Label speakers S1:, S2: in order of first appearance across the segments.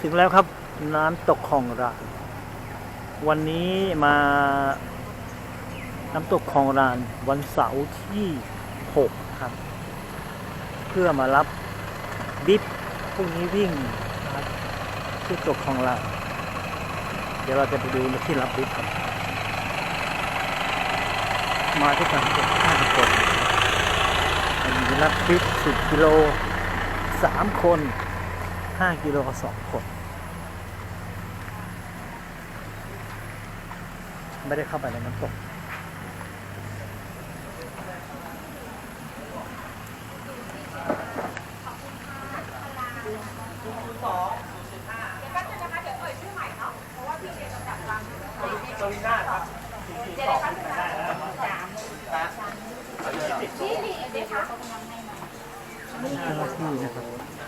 S1: ถึงแล้วครับน้ำตกคลองรานวันนี้มาน้ำตกคลองรานวันเสาร์ที่6ครับเพื่อมารับบิ๊บพรุ่งนี้วิ่งนะครับที่ตกคลองรานเดี๋ยวเราจะไปดูที่รับบิ๊บครับมาที่กัน5 คนมีรับบิ๊บ10 กิโล3 คน5 กิโล2 คนไม่ได้เข้าไปในน้ำตกนี่เจ้าหน้าที่นะครับ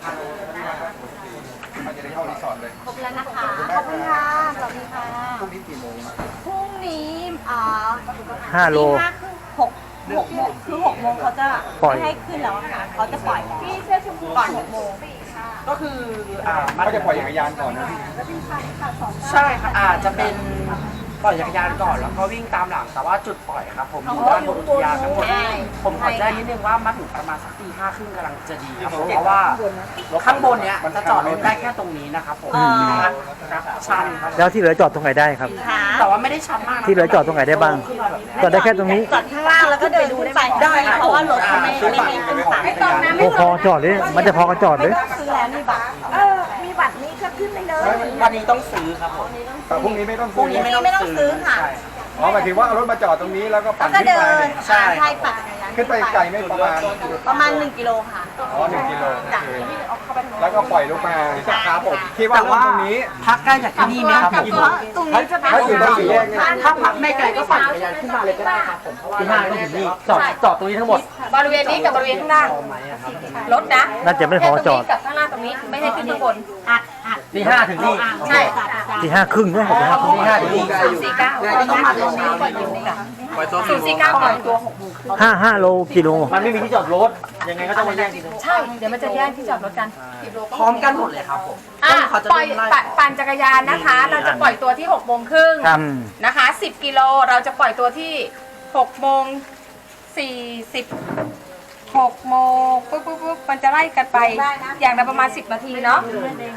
S2: จะได้เข้ารีสอร์ทเลย
S3: ครบแล้วนะคะ ขอบคุณค่ะ สวัสดีค่ะ
S2: พรุ่งนี้กี่โมง
S3: พรุ่งนี้
S1: 5 โล
S3: 6 โมงคือ6 โมงเขาจะ
S1: ปล่อย
S3: ไม่ให้ขึ้นแล้วค่ะเขาจะปล่อยพี่เสื้อชมพูก่อน6 โมง
S4: ก็คือ
S2: เขาจะปล่อยจักรยานก่อนนะพี่
S4: ใช่ค่ะอาจจะเป็นปล่อยจักรยานก่อนแล้วก็วิ่งตามหลังแต่ว่าจุดปล่อยครับผมอยู่ด้านบนอุทยานทั้งหมดผมขอแจ้งนิดนึงว่ามาถึงประมาณสักตี 5 ครึ่งกำลังจะดีครับเพราะว่าข้างบนเนี้ยจะจอดรถได้แค่ตรงนี้นะครับผมชันครับ
S1: แล้วที่เหลือจอดตรงไหนได้ครับ
S4: แต่ว่าไม่ได้ชันมากนะ
S1: ที่เหลือจอดตรงไหนได้บ้างจอดได้แค่ตรงนี้
S3: จอดข้างล่างแล้วก็เดินขึ้นไปได้เพราะว่ารถเขาไม่ให้ขึ้นศาลไม่ต้องนะ
S1: โอ้พอจอดเลยมันจะพอกันจอดเลย
S3: ซื้อแล้วมีบัตรมีบัตรนี้ก็ขึ้นไปเลย
S4: วันนี้ต้องซื้อครับผม
S2: แต่พรุ่งนี้ไม่ต้อง
S4: พรุ่งนี้ไม่ต้องซื้อค่ะ
S2: อ๋อหมายถึงว่าเอารถมาจอดตรงนี้แล้วก็
S3: แล้
S2: ปั่
S3: วน ก็
S2: ขึ้น
S3: เดิ
S2: ไป
S3: นใช่ปั่นจักรยาน
S2: ขึ้นไปไกลไม่ประมาณ
S3: 1 กิโลค่ะ
S2: อ๋อ1 กิโล
S3: จ้ะ
S2: แล้วก็ปล่อยลงมา
S4: ครับผม
S2: คิดว่าลงตรงนี้
S4: พักใกล้จากที่นี่ไหมครับผม
S3: ตรงนี้จะพัก
S2: ถ้าอยู่ตรงสี่แยกเนี่ย
S4: ถ้าพักไม่ไกลก็ปั่นจักรยานขึ้นมาเลยก็ได้ครับผมเพราะว่าที่ห้าก็ถึงนี่จอดตรงนี้ทั้งหมด
S5: บริเวณนี้กับบริเวณข้างล่างรถนะ
S1: น่าจะไม่พอจอด
S5: ตรงนี้กับข้างล่างตรงนี้ไม่ให้ขึ้นข้างบน
S4: ที่ห้าถึงนี่
S5: ใช่
S1: ที่5 ครึ่งด้วยผมนะครับ
S4: ที่ห้าถึงนี่
S5: 049
S4: ต้องมาตรงนี้
S5: 049ปล่อยตัว
S1: 5 โลกิโล
S4: มันไม่มีที่จอดรถยังไงก็ต้องมาแย่งที่ตรง
S5: ใช่เดี๋ยวมันจะแย่งที่จอดรถกัน
S4: พร้อมกันหมดเลยครับผม เขาจะ
S5: ปล่อยปั่นจักรยานนะคะ เราจะปล่อยตัวที่6 โมงครึ่ง
S1: ครับ
S5: นะคะ 10 กิโลเราจะปล่อยตัวที่6 โมง 40 6 โมงปุ๊บมันจะไล่กันไปอย่างละประมาณ10 นาทีเนาะ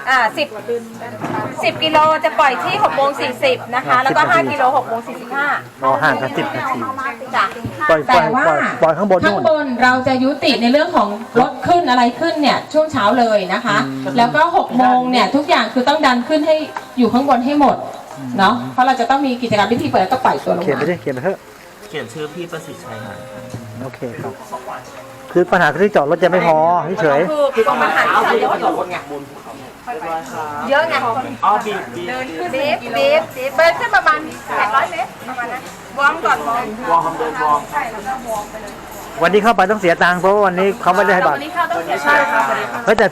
S5: 10 กิโลจะปล่อยที่6 โมง 40นะคะแล้วก็5 กิโล6 โมง 45
S1: รอห่างกัน10 นาที
S5: จ้ะ
S1: ปล่อย
S6: แต่ว่า
S1: ปล่อยข้างบน
S6: ข้า
S1: นู่
S6: ง
S1: น
S6: บนเราจะยุติในเรื่องของรถขึ้นอะไรขึ้นเนี่ยช่วงเช้าเลยนะคะ แล้วก็6 โมงเนี่ยทุกอย่างคือต้องดันขึ้นให้อยู่ข้างบนให้หมดเนาะเพราะเราจะต้องมีกิจกรรมพิธีเปิดแล้วก็ปล่อยตัวลง
S1: เขียนไป
S6: มา
S1: ดิเขียนไปเถอะ
S4: เขียนชื่อพี่ประสิทธิ์ชัยครับ
S1: โอเคครับคือปัญหาคือที่จอดรถจะไม่พอเฉย
S5: คือตรงมันหัน
S4: เอา
S5: ที่
S4: พี่
S5: จอด
S4: จอดรถไงบนภูเขา
S5: เยอะไง
S4: อ๋อบีบ
S5: เดินขึ้นบีบเดินขึ้นประมาณ800 เมตรประมาณนั้นวอร์มก่อนวอร์ม
S4: วอร์มเดินวอร์ม
S1: วันนี้เข้าไปต้องเสียตังค์เพราะว่าวันนี้เขาไม่ได้ให้บัตร
S5: วันนี้เข้าต้องเสีย
S4: ใช่ครับ
S1: เฮ้ยแต่